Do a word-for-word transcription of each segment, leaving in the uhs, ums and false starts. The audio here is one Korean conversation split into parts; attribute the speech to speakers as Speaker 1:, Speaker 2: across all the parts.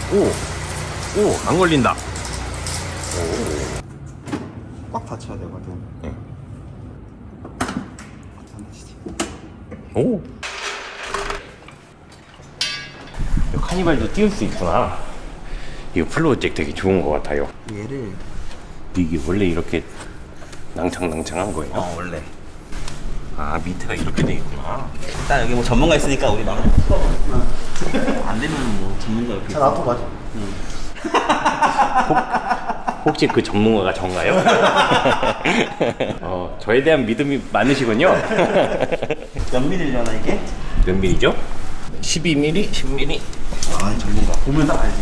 Speaker 1: 오! 오! 안 걸린다.
Speaker 2: 꽉 받쳐야 되거든.
Speaker 1: 응.
Speaker 2: 안 되시지.
Speaker 1: 오! 이 카니발도 띄울 수 있구나. 이거 플로우잭 되게 좋은 것 같아요.
Speaker 2: 얘를
Speaker 1: 이게 원래 이렇게 낭창낭창한 거예요?
Speaker 2: 어 원래.
Speaker 1: 아, 밑에가 이렇게 돼 있구나.
Speaker 2: 일단 여기 뭐 전문가 있으니까 우리 막 안 되면 뭐 전문가 옆에
Speaker 3: 잘 앞으로 가자.
Speaker 1: 혹시 그 전문가가 전가요? 어, 저에 대한 믿음이 많으시군요.
Speaker 2: 몇 밀리려나 이게?
Speaker 1: 몇 밀리죠? 십이 밀리미터? 십 밀리미터?
Speaker 2: 아 전문가 보면 딱 알지.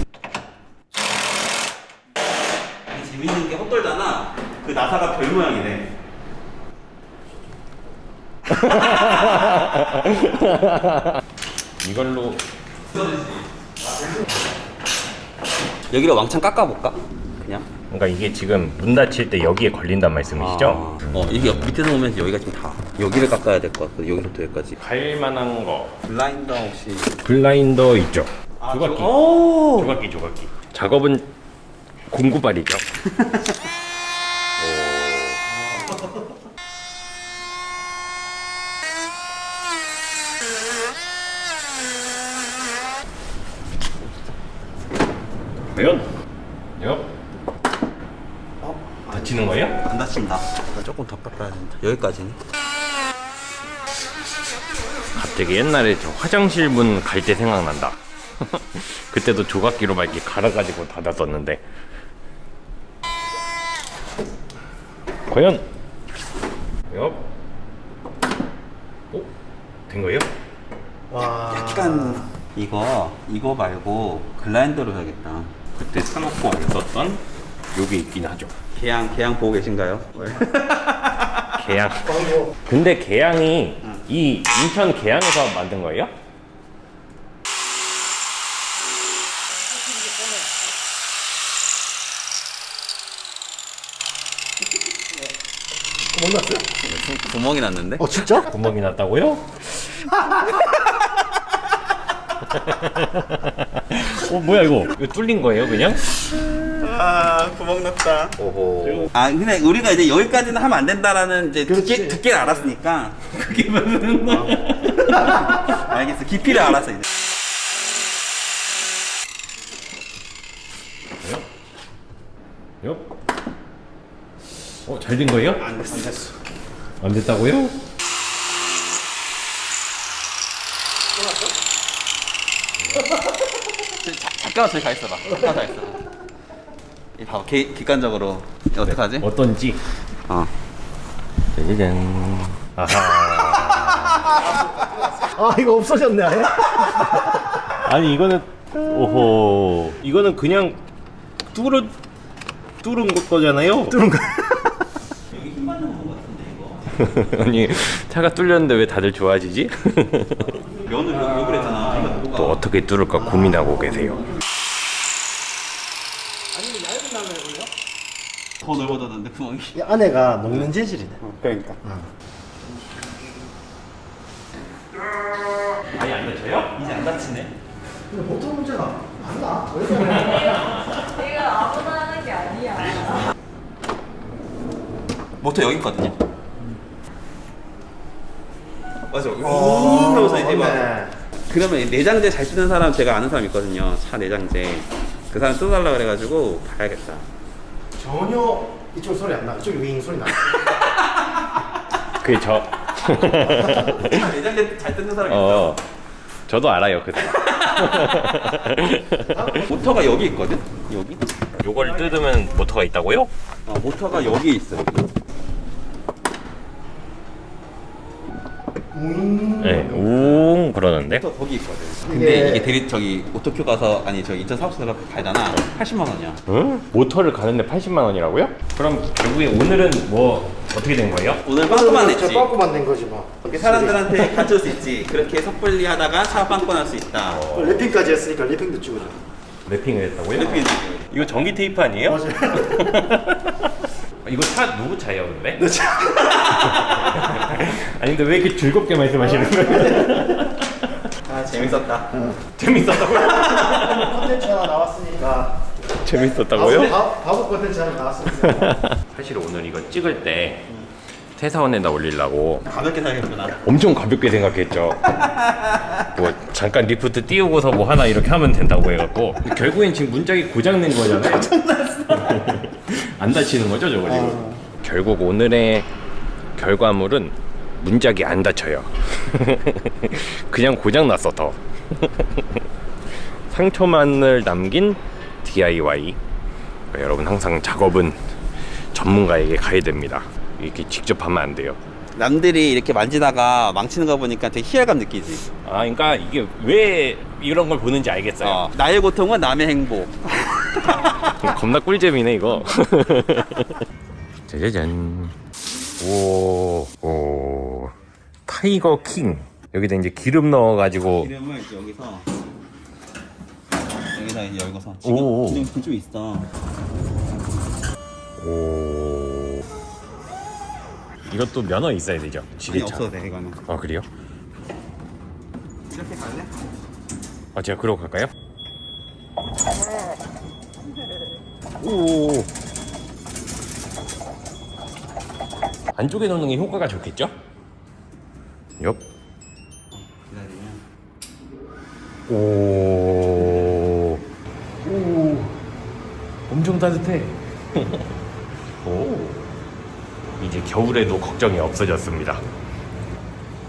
Speaker 2: 재밌는 게 헛돌잖아. 그 나사가 별 모양이래.
Speaker 1: 이걸로
Speaker 2: 여기를 왕창 깎아볼까? 그냥?
Speaker 1: 그러니까 이게 지금 문 닫힐 때 여기에 걸린단 말씀이시죠?
Speaker 2: 아, 어 이게 밑에서 보면 여기가 지금 다 여기를 깎아야 될 것 같고 여기서부터 여기까지.
Speaker 1: 갈만한 거
Speaker 2: 블라인더 혹시?
Speaker 1: 블라인더 있죠?
Speaker 2: 아,
Speaker 1: 조각기
Speaker 2: 저- 오!
Speaker 1: 조각기 조각기 작업은 공구발이죠. 과연? 옆?
Speaker 2: 어?
Speaker 1: 다치는 거예요?
Speaker 2: 안 다친다. 나 조금 더 깎아야 된다. 여기까지는.
Speaker 1: 갑자기 옛날에 저 화장실 문 갈 때 생각난다. 그때도 조각기로 막 이렇게 갈아가지고 닫았었는데. 과연? 옆? 오? 된 거예요?
Speaker 3: 와.
Speaker 2: 약간 이거 이거 말고 글라인더로 해야겠다.
Speaker 1: 그때 사놓고 안 썼던 요게 있긴 하죠.
Speaker 2: 개양 개양 보고 계신가요?
Speaker 1: 개양. 근데 개양이 이 인천 개양에서 만든 거예요?
Speaker 3: 구멍 났어요?
Speaker 2: 구멍이 났는데?
Speaker 3: 어 진짜?
Speaker 1: 구멍이 났다고요? 어 뭐야 이거? 이거 뚫린 거예요 그냥?
Speaker 2: 아 구멍 났다.
Speaker 1: 오호.
Speaker 2: 아 근데 우리가 이제 여기까지는 하면 안 된다라는 이제 두께
Speaker 3: 그렇지.
Speaker 2: 두께를 알았으니까 그게 무슨 말? 알겠어. 깊이를 알았어 이제.
Speaker 1: 옆? 어, 잘 된 거예요?
Speaker 2: 안 됐어. 안 됐어.
Speaker 1: 안 됐다고요?
Speaker 2: 자, 잠깐만 저기 가 있어봐. 잠깐만 가 있어봐. 이 봐봐. 객, 객관적으로 어떡하지?
Speaker 1: 어떤지.
Speaker 2: 어.
Speaker 1: 짜자잔. 아하.
Speaker 3: 아 이거 없어졌네 아예?
Speaker 1: 아니 이거는 오호. 이거는 그냥 뚫어 뚫은 거잖아요.
Speaker 3: 뚫은 거.
Speaker 2: 여기 힘 받는 거 같은데 이거.
Speaker 1: 아니 차가 뚫렸는데 왜 다들 좋아지지?
Speaker 2: 면을 왜, 왜 그랬잖아. 이거 누가?
Speaker 1: 또 어떻게 뚫을까 고민하고 계세요.
Speaker 3: 아니면 얇은 라면이요?
Speaker 2: 더 넓어졌는데 구멍이.
Speaker 3: 이 안에가 녹는 재질이네.
Speaker 2: 그러니까.
Speaker 1: 아니 안 다쳐요?
Speaker 2: 이제 안 다치네.
Speaker 3: 근데 보통 문제가 안 나. 왜
Speaker 4: 내가 아무나 하는 게 아니야.
Speaker 2: 모터 여기 있거든요. 맞아. 우 하면서 이제 막.
Speaker 3: 네.
Speaker 2: 그러면 내장재 잘 쓰는 사람 제가 아는 사람 있거든요. 차 내장재. 그 사람 뜯어달라 그래가지고 봐야겠다.
Speaker 3: 전혀 이쪽 소리 안 나. 이쪽 윙 소리 나.
Speaker 1: 그게 저.
Speaker 2: 차 내장재 잘 뜯는 사람 있어.
Speaker 1: 어. 저도 알아요 그.
Speaker 2: 모터가 여기 있거든. 여기.
Speaker 1: 요걸 뜯으면 모터가 있다고요?
Speaker 2: 어, 모터가 여기 있어. 여기.
Speaker 3: 윙.
Speaker 1: 네, 웅 그러는데.
Speaker 2: 모터 거기 있거든.
Speaker 3: 이게-
Speaker 2: 근데 이게 대리 저기 오토큐 가서 아니 저기 인천 사업소에서 가잖아. 팔십만 원이야.
Speaker 1: 응? 모터를 가는데 팔십만 원이라고요? 그럼 결국에 오늘은 뭐 어떻게 된 거예요?
Speaker 2: 오늘 빵꾸만
Speaker 3: 저
Speaker 2: 냈지.
Speaker 3: 빵꾸만 낸 거지 뭐.
Speaker 2: 이렇게 사람들한테 가져올 수 있지. 그렇게 섣불리 하다가 차 빵꾸 날 수 있다.
Speaker 3: 어, 랩핑까지 했으니까 랩핑도 찍어줘.
Speaker 1: 랩핑을 했다고요?
Speaker 2: 이렇게
Speaker 1: 이거 전기 테이프 아니에요?
Speaker 3: 맞아요.
Speaker 1: 이거 차 누구 차예요 근데?
Speaker 3: 내 차.
Speaker 1: 아니 근데 왜 이렇게 즐겁게 말씀하시는 거예요?
Speaker 2: 아 재밌었다.
Speaker 1: 재밌었다고요?
Speaker 3: 콘텐츠 하나 나왔으니까. 아,
Speaker 1: 재밌었다고요?
Speaker 3: 바보, 바보 컨텐츠 하나 나왔습니다.
Speaker 1: 사실 오늘 이거 찍을 때 퇴사원에다 올리려고
Speaker 2: 가볍게 사야겠구나.
Speaker 1: 엄청 가볍게 생각했죠. 뭐 잠깐 리프트 띄우고서 뭐 하나 이렇게 하면 된다고 해갖고 결국엔 지금 문짝이 고장낸 거잖아요. 고장났어. 안 다치는 거죠 저거 지금.
Speaker 3: 어.
Speaker 1: 결국 오늘의 결과물은 문짝이 안 다쳐요. 그냥 고장났어 더. 상처만을 남긴 디아이와이. 그러니까 여러분 항상 작업은 전문가에게 가야 됩니다. 이렇게 직접 하면 안 돼요.
Speaker 2: 남들이 이렇게 만지다가 망치는 거 보니까 되게 희열감 느끼지.
Speaker 1: 아, 그러니까 이게 왜 이런 걸 보는지 알겠어요.
Speaker 2: 어, 나의 고통은 남의 행복.
Speaker 1: 겁나 꿀잼이네 이거. 짜자잔. 오, 오, 타이거 킹. 여기다 이제 기름 넣어가지고.
Speaker 2: 기름을 이제 여기서 여기다 이제 열고서
Speaker 1: 오.
Speaker 2: 지금 기름 좀 있어.
Speaker 1: 오. 이것도 면허 있어야 되죠?
Speaker 2: 아니
Speaker 1: 지게차.
Speaker 2: 없어도 돼 이거는.
Speaker 1: 아 그래요?
Speaker 2: 이렇게 갈래?
Speaker 1: 아 제가 그러고 갈까요? 오. 안쪽에 넣는 게 효과가 좋겠죠? 옆.
Speaker 2: 기다리면.
Speaker 1: 오. 오. 엄청 따뜻해. 오. 이제 겨울에도 걱정이 없어졌습니다.